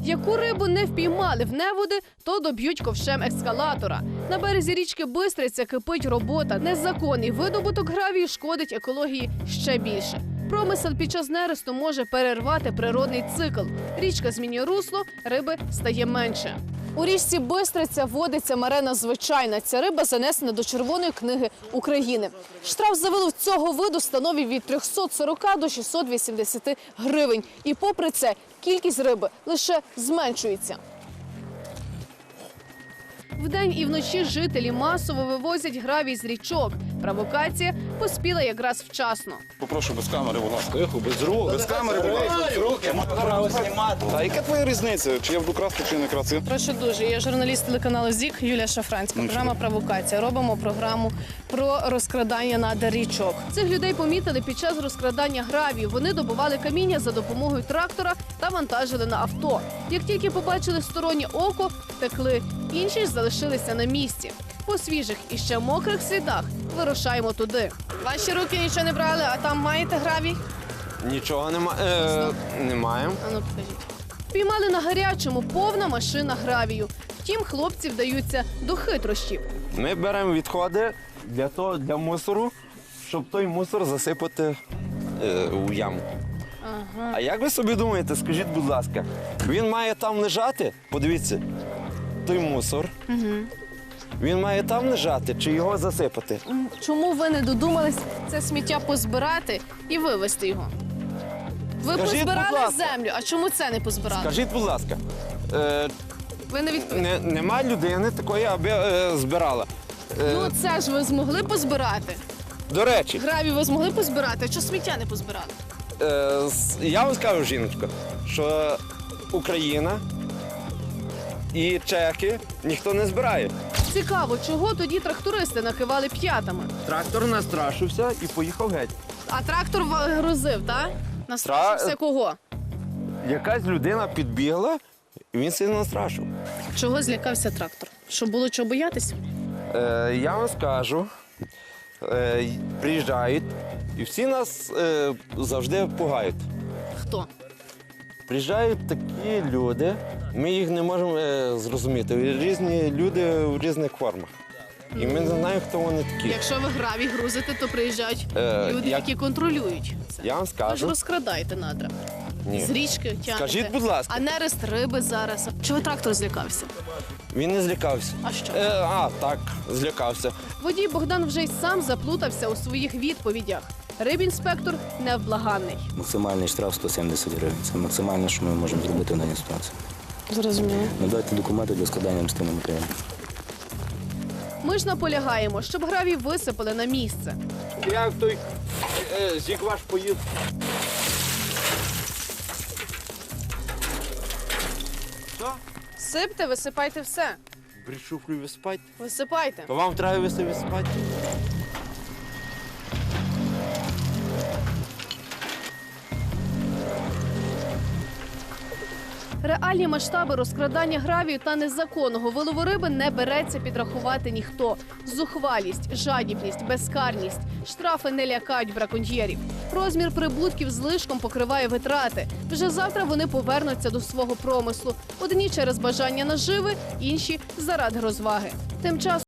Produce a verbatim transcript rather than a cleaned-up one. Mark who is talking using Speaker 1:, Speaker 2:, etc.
Speaker 1: Яку рибу не впіймали в неводи, то доб'ють ковшем ескалатора. На березі річки Бистриця кипить робота. Незаконний видобуток гравію шкодить екології ще більше. Промисел під час нересту може перервати природний цикл. Річка змінює русло, риби стає менше. У річці Бистриця водиться марена звичайна. Ця риба занесена до Червоної книги України. Штраф за вилов цього виду становить від трьохсот сорока до шістсот вісімдесяти гривень. І попри це, кількість риби лише зменшується. Вдень і вночі жителі масово вивозять гравій з річок. Провокація поспіла якраз вчасно.
Speaker 2: Попрошу без камери, будь ласка.
Speaker 3: Тихо, без рук.
Speaker 2: Без камери, будь ласка, без руки. Право знімати. А яка твоя різниця? Чи я буду красти, чи не красти?
Speaker 1: Прошу дуже. Я журналіст телеканалу ЗІК Юлія Шафранська. Програма «Провокація». Робимо програму про розкрадання надр річок. Цих людей помітили під час розкрадання гравію. Вони добували каміння за допомогою трактора та вантажили на авто. Як тільки побачили стороннє око, втекли. Інші ж залишилися на місці. По свіжих і ще мокрих слідах вирушаємо туди. Ваші руки нічого не брали, а там маєте гравій?
Speaker 3: Нічого нема... е... немає.
Speaker 1: А ну покажіть. Піймали на гарячому, повна машина гравію. Втім, хлопці вдаються до хитрощів.
Speaker 3: Ми беремо відходи для того, для мусору, щоб той мусор засипати е, у яму.
Speaker 1: Ага.
Speaker 3: А як ви собі думаєте, скажіть, будь ласка, він має там лежати? Подивіться, той мусор.
Speaker 1: Угу.
Speaker 3: Він має там лежати чи його засипати?
Speaker 1: Чому ви не додумались це сміття позбирати і вивезти його? Ви
Speaker 3: Скажіть, будь
Speaker 1: позбирали
Speaker 3: ласка.
Speaker 1: землю, а чому це не позбирали?
Speaker 3: Скажіть, будь ласка, е,
Speaker 1: Ви не відповіли.
Speaker 3: не, нема людини такої, аби е, збирала. Е,
Speaker 1: Ну це ж ви змогли позбирати.
Speaker 3: До речі,
Speaker 1: Гравій ви змогли позбирати, а чого сміття не позбирали?
Speaker 3: е, с- я вам скажу, жіночко, що Україна і чеки ніхто не збирає.
Speaker 1: Цікаво, чого тоді трактористи накивали п'ятами?
Speaker 3: Трактор настрашився і поїхав геть.
Speaker 1: А трактор ва- грузив, так? Настрашився
Speaker 3: Тра-
Speaker 1: кого?
Speaker 3: Якась людина підбігла, і він сильно настрашив.
Speaker 1: Чого злякався трактор? Що було чого боятись?
Speaker 3: Е, я вам скажу, е, й- приїжджають, і всі нас е, завжди пугають.
Speaker 1: Хто?
Speaker 3: Приїжджають такі люди, ми їх не можемо е, зрозуміти. Різні люди в різних формах. І ми не знаємо, хто вони такі.
Speaker 1: Якщо ви гравій грузите, то приїжджають
Speaker 3: Е,
Speaker 1: люди,
Speaker 3: як-
Speaker 1: які контролюють це.
Speaker 3: Я вам
Speaker 1: Ви ж
Speaker 3: скажу.
Speaker 1: розкрадаєте надра.
Speaker 3: Ні.
Speaker 1: З річки тягнете.
Speaker 3: Скажіть, будь ласка.
Speaker 1: А нерест риби зараз. Чого трактор злякався?
Speaker 3: Він не злякався.
Speaker 1: А що?
Speaker 3: Е, а, так, злякався.
Speaker 1: Водій Богдан вже й сам заплутався у своїх відповідях. Рибінспектор невблаганний.
Speaker 4: Максимальний штраф сто сімдесят гривень. Це максимальне, що ми можемо зробити в даній ситуації.
Speaker 1: Зрозуміло.
Speaker 4: Надати документи для складання адміністративного матеріалу.
Speaker 1: Ми ж наполягаємо, щоб гравій висипали на місце.
Speaker 3: Як той е, зік ваш поїв. Що?
Speaker 1: Сипте, висипайте все.
Speaker 3: Брішуфлю виспать.
Speaker 1: Висипайте.
Speaker 3: То вам треба висипати спати.
Speaker 1: Реальні масштаби розкрадання гравію та незаконного вилову риби не береться підрахувати ніхто. Зухвалість, жадібність, безкарність. Штрафи не лякають браконьєрів. Розмір прибутків злишком покриває витрати. Вже завтра вони повернуться до свого промислу. Одні через бажання наживи, інші заради розваги. Тим часом